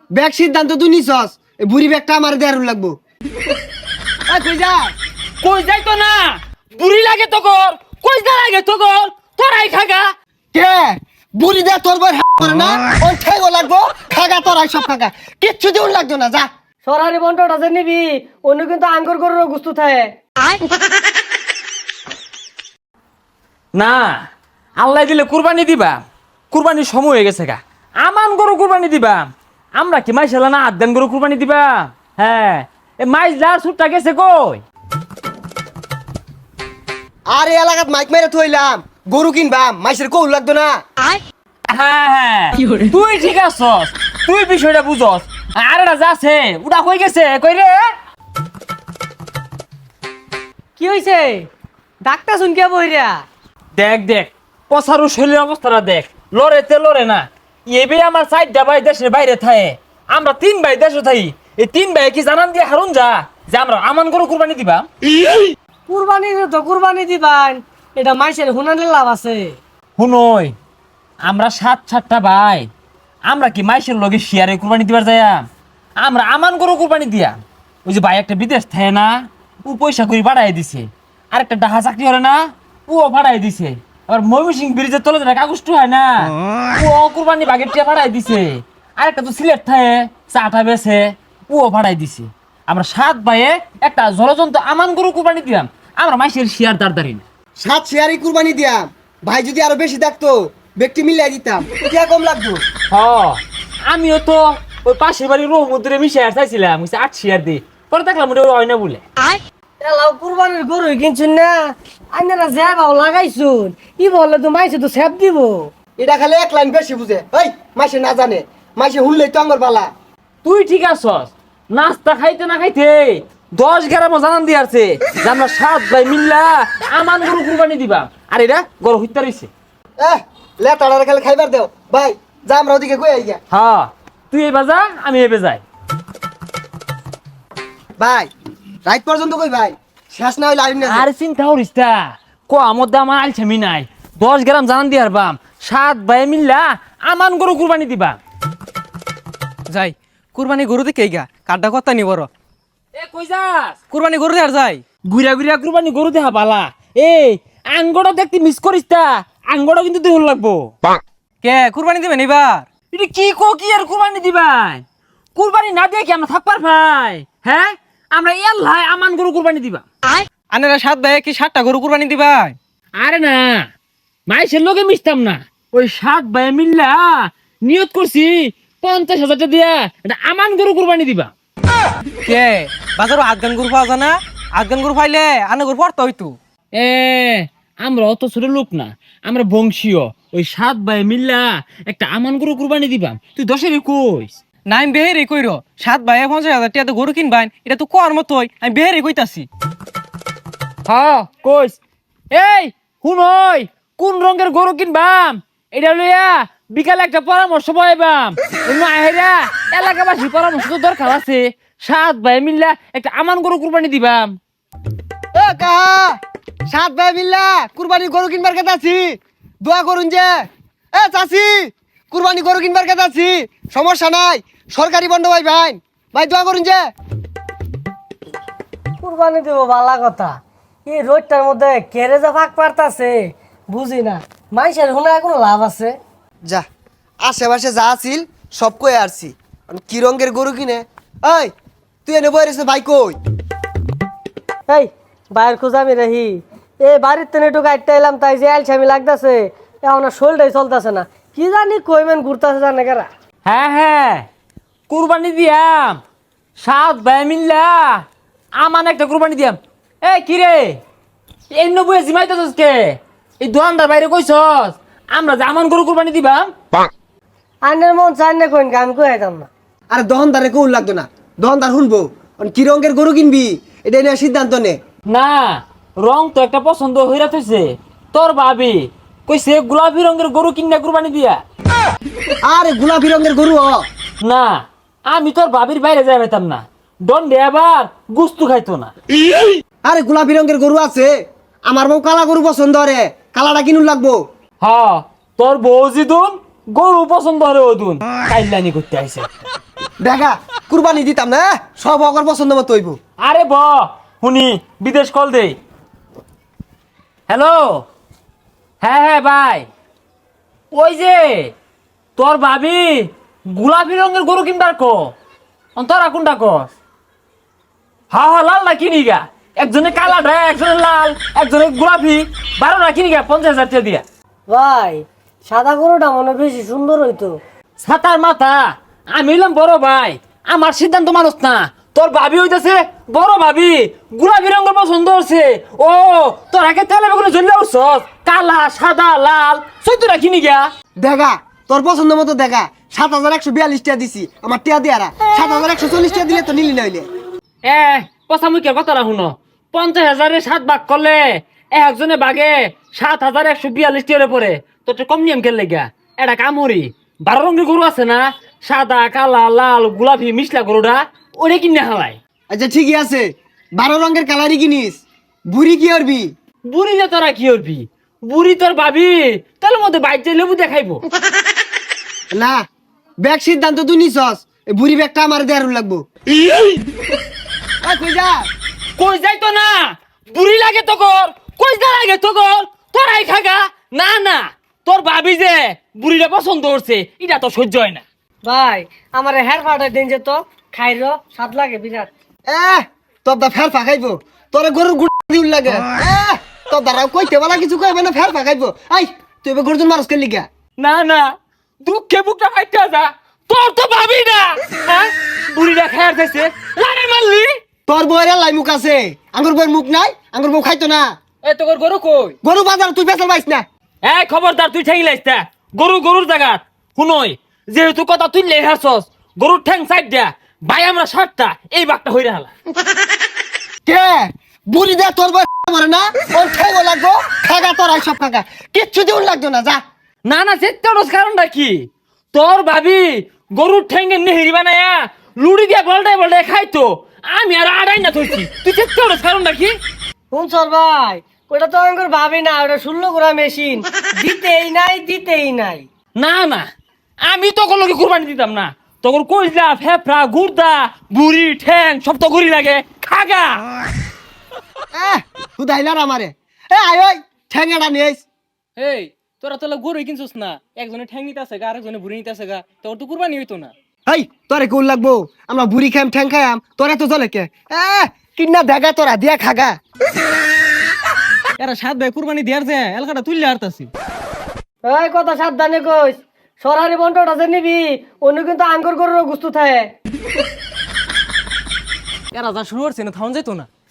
Bag সিদ্ধান্ত তুই নিছস, এই বুড়ি ব্যাগটা আমার দেয়ার লাগবো। কই যা? কই যাই তো না, বুড়ি লাগে তো কর, কই যা লাগে তো কর, তোরাই খাগা। কে বুড়ি দে তোর বই করে না, ওই ঠেগো লাগবো, খাগা তোরাই সব খাগা, কিচ্ছু দিউন লাগতো না, যা। সরারি বন্টটা যে নিবি অন্য কিন্তু আঙ্গুর গরুর গুস্তু থাকে। না, আল্লাহ দিলে কুরবানি দিবা, কুরবানির সময় হয়ে গেছে গা। আমান গরু কুরবানি দিবা, আমরা কি মাইশালা না আদান গরু কুরবানি দিবা? হ্যাঁ, এ মাইজ লার সুটটা গেছে কই? আর এই এলাকাত মাইক মেরে থইলাম, গরু কিনবাম, মাইসের কৌল লাগতো না। হ্যাঁ হ্যাঁ, তুই ঠিক আছস, তুই বিষয়টা বুঝস। আর এটা যাচ্ছে ওটা কই গেছে, কই রে? কি হইছে? ডাক্তার শুন কে বইরা? দেখ দেখ, পসারু শরীরের অবস্থাটা দেখ, লড়েতে লড়ে না। এবে আমার চারটা ভাই দেশের বাইরে থাকে, আমরা 3 ভাই দেশে থাকি। এই 3 ভাই কি জানান দিয়ে হারুন যা যে আমরা আমান গরু কুরবানি দিবা? কুরবানি তো কুরবানি দিবান, এটা মাইসের হুনানের লাভ আছে। শুনই, আমরা 7-7টা ভাই, আমরা কি মাইশের লগে শেয়ারে কুরবানি দিবার যাইয়া? আমরা আমান গরু কুরবানি দিয়া। ওই যে ভাই একটা বিদেশ থাকে না, ও পয়সা করে বাড়াই দিছে। আর একটা ডাহা চাকরি হলে না, ও বাড়াই দিছে। আবার ময়মনসিং ব্রিজের তলে যেটা কাগজটা হয় না, ও কুরবানি বাগের টিয়া বাড়াই দিছে। আর একটা তো সিলেট থাকে, চাটা বেছে, ও বাড়াই দিছে। আমরা 7 ভাইয়ে একটা জলজন্ত আমান গরু কুরবানি দিলাম। আমরা মাইশের শেয়ার দাঁড় না। 7 শেয়ারই কুরবানি দিয়াম, ভাই যদি আরো বেশি থাকতো ব্যক্তি মিলাই দিতাম, কে কম লাগতো। হ, আমিও তো ওই পাশের বাড়ির রহমতুরে মিশে আর চাইছিলাম 8 শেয়ার দিই, পরে দেখলাম ওটা হয় না বলে। এলাও কুরবানির গরু কিনছুন না, আইনারা যা বাও লাগাইছুন, ই বলে তো মাইসে তো সেপ দিব। এটা খালি এক লাইন বেশি বুঝে, এই মাইসে না জানে, মাইসে হুনলেই তো আমার বালা। তুই ঠিক আছস, নাস্তা খাইতে না খাইতে 10 গ্রামও জানান দিয়ে আসছে যে আমরা 7 ভাই মিল্লা আমান গরু কুরবানি দিবা। আর এটা গরু হইতে রইছে। লেটাড়ারে খালি খাইবার দেও ভাই, যা আমরা ওদিকে কই আইয়া। হ্যাঁ, তুই এবার যা, আমি এবার যাই। ভাই রাত পর্যন্ত কই ভাই, শেষ না হইলে আইন না। আর চিন্তা করিস না, আমার দাম আমার আলছামি নাই। 10 গ্রাম জানান দিয়ে হারবাম, 7 ভাই মিল্লা আমান গরু কুরবানি দিবা। যাই কুরবানি গরু দেখে গা কাঠটা কথা নি বড় এ কই যাস? কুরবানি গরু আর যাই ঘুরা ঘুরা কুরবানি গরু দেখা পালা। এই আঙ্গটা দেখতে মিস করিস তা, আঙ্গটা কিন্তু দেহ লাগবো। কে কুরবানি দিবেন এবার? এটা কি কি আর কুরবানি দিবাই? কুরবানি না দিয়ে কি আমরা থাকবার ভাই? হ্যাঁ, আমরা এল্লাই আমান গরু কুরবানি দিবা। আনেরা 7 ভাই কি 7টা গরু কুরবানি দিবাই? আরে না, মাইসের লোকে মিশতাম না। ওই 7 ভাই মিল্লা নিয়ত করছি 50,000 টাকা দিয়া এটা আমান গরু কুরবানি দিবা। কে বাজারও আটগান গরু পাওয়া যায় না? আটগান গরু পাইলে আনে গরু পড়তে হইতো। এ আমরা অত ছোট লোক না, আমরা বংশীয়। ওই 7 ভাই মিল্লা একটা আমান গরু কুরবানি দিবা। তুই 10-এর কইস নাইম বেহেরে কইরো 7 ভাই 50,000 টাকা গরু কিনবাইন, এটা তো কোয়ার মতোই আমি বেহেরে কইতাছি। হ্যাঁ কইস। এই শুনই, কোন রঙের গরু কিনবাম এটা লইয়া বিকালে একটা পরামর্শ পাইবাম। আহেরা এলাকাবাসী পরামর্শ তো দরকার আছে। 7 ভাই মিল্লা একটা আমান গরু কুরবানি দিবাম। এ কাহা 7 ভাই মিল্লা কুরবানি গরু কিনবার কথা আছি, দোয়া করুন যে। এ চাচি কুরবানি গরু কিনবার কথা আছি, সমস্যা নাই, সরকারি বন্ধ ভাই ভাই, ভাই দোয়া করুন যে। কুরবানি দেব ভালা কথা, এই রোডটার মধ্যে কেড়ে যা ফাঁক পারতাছে বুঝি না, মাইসের হুনায় কোনো লাভ আছে? যা আশেপাশে যা আছিল সব কই আসছি, কি রঙের গরু কিনে। এই তুই এনে বই রেছে ভাই কই? এই বাইরের খোঁজ আমি রাহি, এই বাড়ির তেনে একটু গাইডটা এলাম, তাই যে আলছামি লাগতেছে, এখন আর শরীরটাই চলতেছে না, কি জানি কইমেন ঘুরতেছে জানে কেরা। হ্যাঁ হ্যাঁ, কুরবানি দিয়াম 7 ভাই মিল্লা আমান একটা কুরবানি দিয়াম। এই কি রে, এই নবুয়ে জিমাইতেছস কে? এই দোকানদার বাইরে কইছস আমরা যে আমান গরু কুরবানি দিবাম? আইনের মন চাই না কইন আমি কই আইতাম না। আরে দহনদারে কৌল লাগতো না, দহনদার শুনবো কি রঙের গরু কিনবি এটা নিয়ে সিদ্ধান্ত নে। না, রং তো একটা পছন্দ হইরা থইছে তোর ভাবি, কইছে গোলাপি রঙের গরু কিনা কুরবানি দিয়া। আরে গোলাপি রঙের গরু না, আমি তোর ভাবির বাইরে যাই পাইতাম না, দণ্ডে আবার গুস্তু খাইতো না। আরে গোলাপি রঙের গরু আছে, আমার বউ কালা গরু পছন্দ রে, কালাটা কিনুন লাগবো। হ্যাঁ, তোর বউ জিদুন গরু পছন্দ হরে ওদুন কাইলানি করতে আইছে। দেখা কুরবানি দিতাম না সব অগর পছন্দ মতো হইব। আরে ব শুনি বিদেশ কল দে। হ্যালো, হ্যাঁ হ্যাঁ ভাই, ওই যে তোর ভাবি গোলাপি রঙের গরু কিনবার তোরা কোনটা কস? হা হা লাল না কিনি গা, একজনে কালা ঢা, একজনে লাল, একজনে গোলাপি, 12টা কিনি গা 50,000 টাকা দিয়া। ভাই সাদা গরুটা মনে হয় বেশি সুন্দর হইতো। ছাতার মাথা, আমি হইলাম বড় ভাই, আমার সিদ্ধান্ত মানুষ না। তোর ভাবি হইতেছে বড় ভাবি, গোলাপি রঙের পছন্দ হচ্ছে। ও তোর আগে তেলে বেগুনে জ্বললে উঠছস, কালা সাদা লাল 14টা কিনি গা। দেখা তোর পছন্দ মতো দেখা 7,142 টাকা দিছি আমার টিয়া দিয়ারা 7,140 টাকা দিলে তো নিলি না হইলে। পচামুখের কথাটা শুনো, 50,000-এ 7 ভাগ করলে একজনে বাগে 7,142 টাকার পরে তোর কম নিয়ম খেললে গা। এটা কামড়ি 12 রঙের গরু আছে না, সাদা কালা লাল গোলাপি মিশলা গরুটা, ওরে কিনে হালাই। আচ্ছা ঠিকই আছে 12 রঙের কালারই কিনিস, বুড়ি কি করবি? বুড়ি যে তোরা কি করবি, বুড়ি তোর ভাবি তাহলে মধ্যে বাইক লেবু দেখাইবো। না ব্যাগ সিদ্ধান্ত তুই নিছস, এই বুড়ি ব্যাগটা আমার দেয়ার লাগবো। কই যা কই যাই তো না, বুড়ি লাগে তো কর, কই যা লাগে তো কর, তোরাই খাগা। না না, তোর ভাবি যে বুড়িটা পছন্দ করছে এটা তো সহ্য হয় না। ভাই আমার হেয়ার ফাটা দিন যে তো খাইর স্বাদ লাগে বিরাট। তোর দা ফের ফাঁকাইবো, তোর গরুর গুড় দিউল লাগে। তোর দ্বারা কইতে বলা কিছু কইবে না, ফের ফাঁকাইবো। আই তুই এবার গরুজন মানুষ কে লিগা? না না, দুঃখে বুকটা ফাইটা যা, তোর তো ভাবি না। হ্যাঁ, বুড়িটা খায়ার যাইছে লারে মারলি। তোর বউয়ের লাই মুখ আছে, আঙ্গুর বউয়ের মুখ নাই, আঙ্গুর বউ খাইতো না। এই তোর গরু কই? গরু বাজার তুই বেচার পাইস না। এই খবরদার, তুই ঠেঙ্গি লাইস না, গরুর জায়গা শুনই। যেহেতু কথা তুই লেই হারছস, গরুর ঠ্যাং সাইড দিয়া ভাই আমরা 7টা এই বাঘটা হইরা হালা। কে বুড়ি দে তোর বউ মরে না, ওর খাইবো লাগবো, খাগা তোর আই সব খাগা, কিচ্ছু দিউল লাগতো না। যা না না, চেত্তারস কারণটা কি? তোর ভাবি গরুর ঠ্যাঙ্গে নেহেরি বানায়া লুড়ি দিয়া বলটায় খাইতো, আমি আর আড়াই না ধরছি। তুই চেত্তারস কারণটা কি? শুনছর ভাই ওটা তো আমার ভাবি না, ওটা 16 গোড়া মেশিন, দিতেই নাই। না না, আমি তখন লোকে কুরবানি দিতাম না। তখন কইলা ফেফড়া গুর্দা বুড়ি ঠ্যাং সব তো গড়ি লাগে খাগা। হুদাইলার আমারে আয় ওই ঠ্যাঙ্গাটা নিয়েছ। এই তোরা তো গরু কিনছিস না, একজনে ঠ্যাং নিতে আছে গা, আরেকজনে বুড়ি নিতে আছে গা, তোর তো কুরবানি হইতো না। এই তোরে কোন লাগবো, আমরা বুড়ি খাইম ঠ্যাং খাইম, তোরা তো চলে কে? কিনা দেখা তোরা দিয়া খাগা। এরা 7 ভাই কুরবানি দেয়ার যে এলাকাটা তুললে হারতাছি। এই কথা সাবধানে কইস, সরারি বন্টটা যে নিবি অন্য কিন্তু আঙ্গুর গরুর গুস্তু থাকে। এরা যা শুরু করছে না থাউন যাইতো না।